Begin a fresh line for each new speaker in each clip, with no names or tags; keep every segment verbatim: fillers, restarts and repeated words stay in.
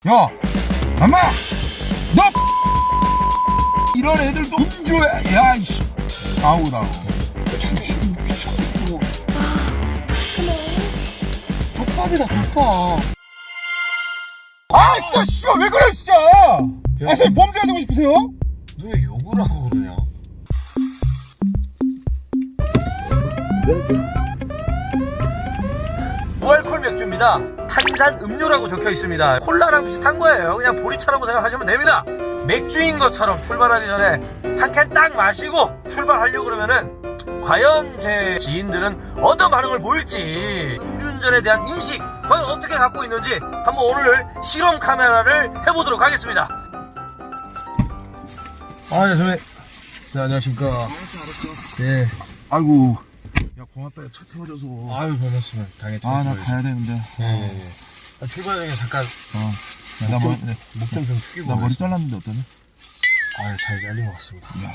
야, 엄마, 너 이런 애들도 음주야. 야, 이씨, 아우다고.
미쳤고. 족밥이다 족밥.
아, 진짜, 씨발, 왜 그래, 진짜. 아, 선생님, 범죄가 되고 싶으세요?
너 왜 욕을 하고 그러냐? 무알콜 맥주입니다. 탄산 음료라고 적혀 있습니다. 콜라랑 비슷한 거예요. 그냥 보리차라고 생각하시면 됩니다. 맥주인 것처럼 출발하기 전에 한 캔 딱 마시고 출발하려고 그러면은 과연 제 지인들은 어떤 반응을 보일지, 음주운전에 대한 인식 과연 어떻게 갖고 있는지 한번 오늘 실험 카메라를 해보도록 하겠습니다. 아, 네, 선배님. 네, 안녕하십니까.
알았어, 알았어.
네.
아이고. 야, 고맙다. 차 태워줘서.
아유, 별말씀을 당연히.
아, 나 가야 되는데.
예, 예, 예. 아, 출발 전에 잠깐
어. 야, 나 머리,
목좀 좀 숙이고.
나 머리 잘랐는데 어떠냐?
아유, 잘 잘린 것 같습니다.
야.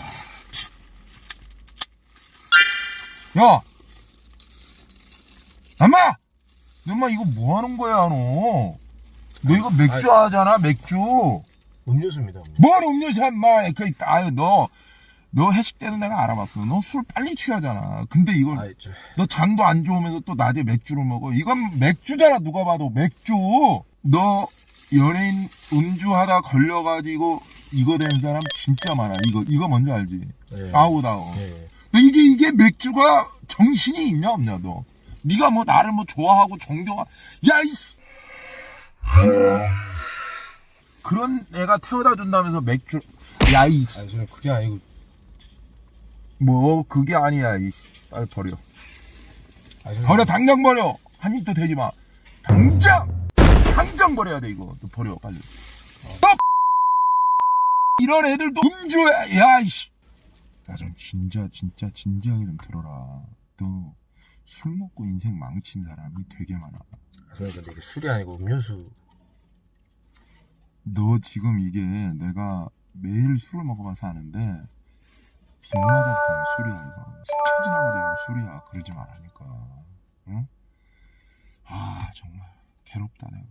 야! 엄마! 너 엄마 이거 뭐 하는 거야, 너? 너 이거 맥주 하잖아, 맥주.
음료수입니다. 음료.
뭔 음료수야, 인마. 그, 아유, 너, 너 회식 때는 내가 알아봤어. 너 술 빨리 취하잖아. 근데 이걸,
아이, 저,
너 장도 안 좋으면서 또 낮에 맥주를 먹어. 이건 맥주잖아, 누가 봐도. 맥주. 너 연예인 음주하다 걸려가지고 이거 된 사람 진짜 많아. 이거, 이거 뭔지 알지?
예.
아우다우.
예, 예.
너 이게, 이게 맥주가 정신이 있냐, 없냐, 너? 네가 뭐 나를 뭐 좋아하고 존경하, 야, 이씨. 그런 애가 태워다 준다면서 맥주, 야, 이,
아니, 저는 그게 아니고.
뭐, 그게 아니야, 이씨. 빨리 버려.
아니, 저는
버려, 당장 버려. 한 입도 되지 마. 당장! 당장 버려야 돼, 이거. 너 버려, 빨리. 너 이런 애들도 음주야, 야, 이씨. 나 좀 진짜, 진짜, 진지하게 좀 들어라. 너 술 먹고 인생 망친 사람이 되게 많아.
아, 저는 근데 이게 술이 아니고 음료수.
너 지금 이게 내가 매일 술을 먹어봐서 아는데, 빗마다 보면 술이야, 이거. 스쳐 지나가도 술이야. 그러지 말라니까. 응? 아, 정말 괴롭다, 내가.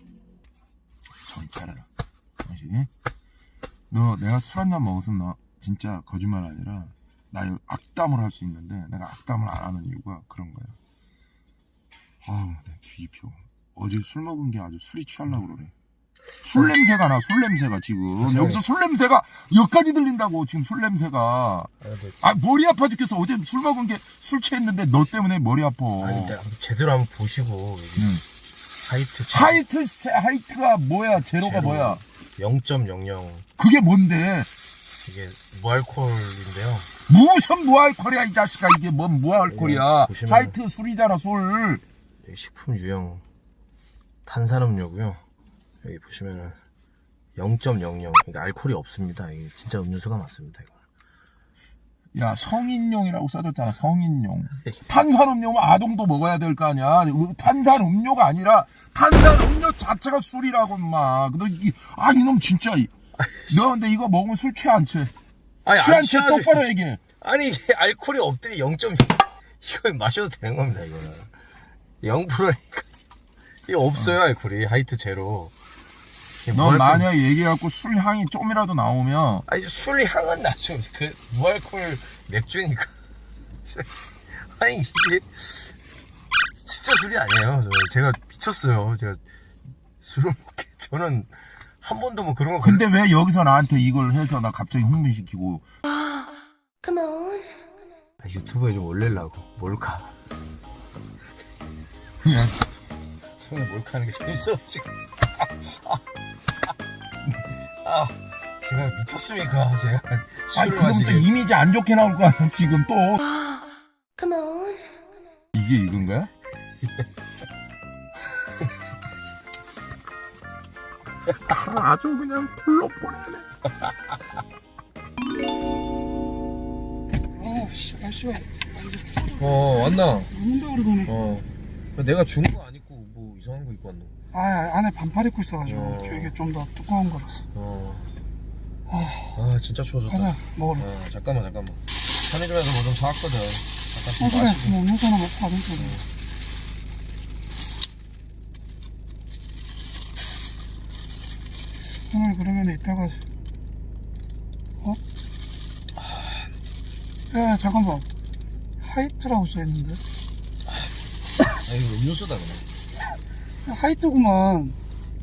정신 차려라. 당신, 너 내가 술 한 잔 먹었으면 너 진짜 거짓말 아니라 나 이거 악담을 할 수 있는데 내가 악담을 안 하는 이유가 그런 거야. 아우, 내 뒤집혀. 어제 술 먹은 게 아주 술이 취하려고 그러네. 술 냄새가 나, 술 냄새가 지금. 여기서 술 냄새가 여기까지 들린다고, 지금 술 냄새가.
아, 근데,
아, 머리 아파 죽겠어. 어제 술 먹은 게 술 취했는데 너 때문에 머리 아파.
아니, 근데 한번 제대로 한번 보시고. 여기
응.
하이트. 제-
하이트, 시- 하이트가 뭐야? 제로가
제로.
뭐야?
영 점 영영.
그게 뭔데?
이게 무알콜인데요.
무슨 무알콜이야, 이 자식아. 이게 뭔 무알콜이야.
네, 보시면-
하이트 술이잖아, 술.
여기 식품 유형 탄산음료고요. 여기 보시면은 영 점 영영. 그러니까 알코올이 없습니다. 이게 진짜 음료수가 맞습니다. 이거.
야, 성인용이라고 써줬잖아, 성인용. 탄산음료면 아동도 먹어야 될 거 아니야. 탄산음료가 아니라 탄산음료 자체가 술이라고, 인마. 너, 이, 아, 이놈 진짜. 이- 너 근데 이거 먹으면 술 취해, 안 취해?
아니,
취해,
안
안 취해?
취하죠.
똑바로 얘기해.
아니, 이게 알코올이 없더니 영 점 이거 마셔도 되는 겁니다. 이거는 영 퍼센트니까 이게 없어요. 알코올이 하이트 제로. 이게
너
무알콜-
만약에 얘기해갖고 술 향이 좀이라도 나오면
아니, 술 향은 나죠. 그 무알콜 맥주니까. 아니, 이게 진짜 술이 아니에요. 저, 제가 미쳤어요. 제가 술을 먹게. 저는 한 번도 뭐 그런 거.
근데 왜 여기서 나한테 이걸 해서 나 갑자기 흥분시키고.
Come on.
아, 유튜브에 좀 올리려고. 몰카.
야,
손에 몰카 하는 게 재밌어, 지금. 아, 아, 아, 제가 미쳤습니까? 제가
아니,
술을
그럼 또
마시게.
이미지 안 좋게 나올 거 아니야, 지금 또.
Come on.
이게 이건 거야? 아주 그냥 풀로 보내네.
아씨, 날씨가
어, 왔나?
녹는다 그러더니
어. 내가 준 거 안 입고 뭐 이상한 거 입고 왔노?
아 안에 반팔 입고 있어가지고
어.
이게 좀 더 두꺼운 거라서.
어. 아, 진짜 추워졌다.
가자 먹으러.
어, 잠깐만, 잠깐만. 편의점에서 뭐 좀 사왔거든. 잠깐
어
좀
그래
마시고.
뭐 음료수 하나 먹고 가면 돼. 오늘 그러면 이따가 어? 야 잠깐만 하이트라고 써있는데
아 이거 음료수다 그냥.
하이트구만.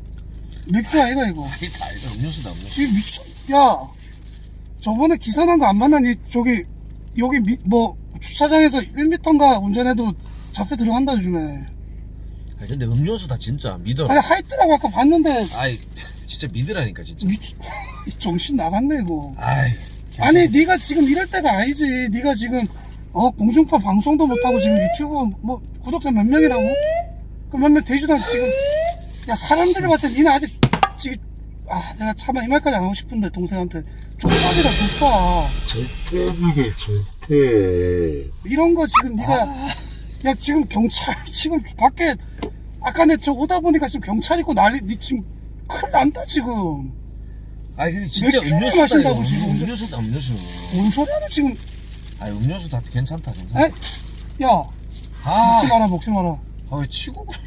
맥주 아이가 이거.
하이트 아니다 음료수다 음료수.
이 미친 야 저번에 기사 난 거 안 만나니? 저기 여기 미, 뭐 주차장에서 일 미터인가 운전해도 잡혀 들어간다 요즘에.
아니 근데 음료수다 진짜 믿어라.
아니 하이트라고 아까 봤는데
아이 진짜 믿으라니까 진짜.
미, 정신 나갔네 이거.
아이
아니 네가 지금 이럴 때가 아니지. 네가 지금 어 공중파 방송도 못하고 지금 유튜브 뭐 구독자 몇 명이라고? 그 몇 명 되지도 않고 지금 야 사람들이 봤을 때 니는 아직 지금 아 내가 차마 이 말까지 안 하고 싶은데 동생한테 족밥이다 족밥.
족밥이다 족밥.
이런 거 지금 네가 야 지금 경찰 지금 밖에 아까 내 저 오다 보니까 지금 경찰 있고 난리 니 지금 큰일 난다 지금.
아니 근데 진짜
맥주
음료수다
마신다고
이거.
지금.
음료수다 음료수.
뭔 소리야 너 지금.
아니 음료수 다 괜찮다 괜찮다.
에? 야
아,
먹지 마라 먹지 마라.
아 왜 치고 가?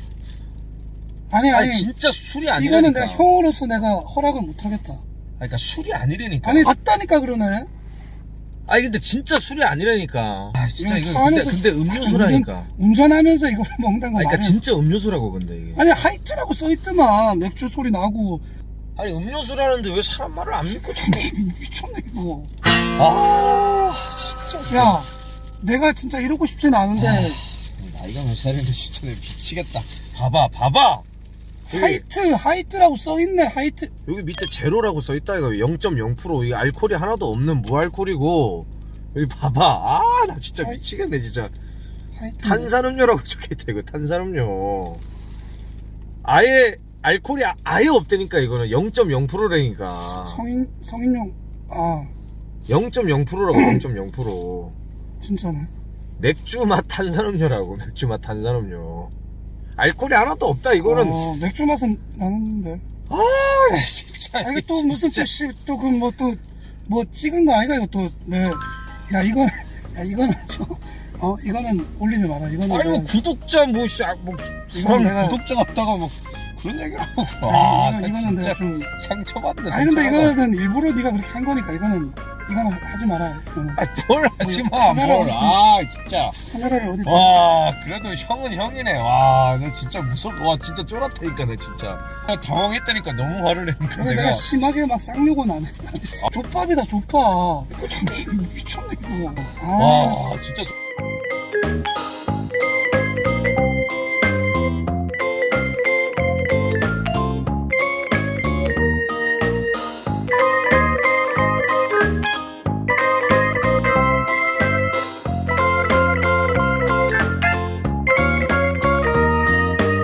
아니 아니
아니 진짜 술이 아니라니까.
이거는 내가 형으로서 내가 허락을 못 하겠다.
아니 그러니까 술이 아니라니까.
아니 맞다니까 그러네.
아니 근데 진짜 술이 아니라니까. 아 진짜
야,
이거
차
근데,
안에서
근데 음료수라니까.
운전, 운전하면서 이걸 먹는 거
아니 그러니까
말이야.
진짜 음료수라고 근데 이게.
아니 하이트라고 써있더만 맥주 소리 나고.
아니 음료수라는데 왜 사람 말을 안 믿고 자꾸.
미쳤네 이거.
아 진짜.
야 내가 진짜 이러고 싶진 않은데
나이가 몇 살인데 진짜 내가 미치겠다. 봐봐 봐봐. 여기,
하이트 하이트라고 써있네. 하이트.
여기 밑에 제로라고 써있다 이거. 영 점 영 퍼센트 이 알코올이 하나도 없는 무알코올이고. 여기 봐봐. 아 나 진짜
아이.
미치겠네 진짜.
하이트.
탄산음료라고 적혀있다 이거. 탄산음료. 아예 알코올이 아- 아예 없다니까 이거는. 영 점 영 퍼센트라니까.
성인 성인용 아
영 점 영 퍼센트라고. 영 점 영 퍼센트.
진짜네.
맥주 맛 탄산음료라고. 맥주 맛 탄산음료. 알코올이 하나도 없다 이거는.
어, 맥주 맛은 나는데.
아 진짜.
아 이거 또 무슨 또 그 뭐 또 뭐 찍은 거 아이가 이거 또 네. 야 이거 야 이거는 좀어 이거는 올리지 마라. 이거는
아니 뭐
내가-
구독자 뭐, 씨, 아, 뭐 사람
내가-
구독자 같다가 뭐 그런 얘기를 하고.
아,
아,
이거,
나
이거는
진짜
내가 좀
상처받네.
아니 근데
상처받아.
이거는 일부러 네가 그렇게 한 거니까 이거는 이거는 하지 마라. 이거는
아, 뭘 하지 마,
카메라
뭘.
어디-
아, 진짜.
카메라를 어디 다
와, 그래도 형은 형이네. 와, 나 진짜 무섭, 와, 진짜 쫄았다니까, 나 진짜. 나 당황했다니까, 너무 화를 내니까
그래
내가.
내가 심하게 막 쌍욕은 안 해. 족밥이다 족밥. 이거 참 미쳤네 이거. 아.
와, 진짜.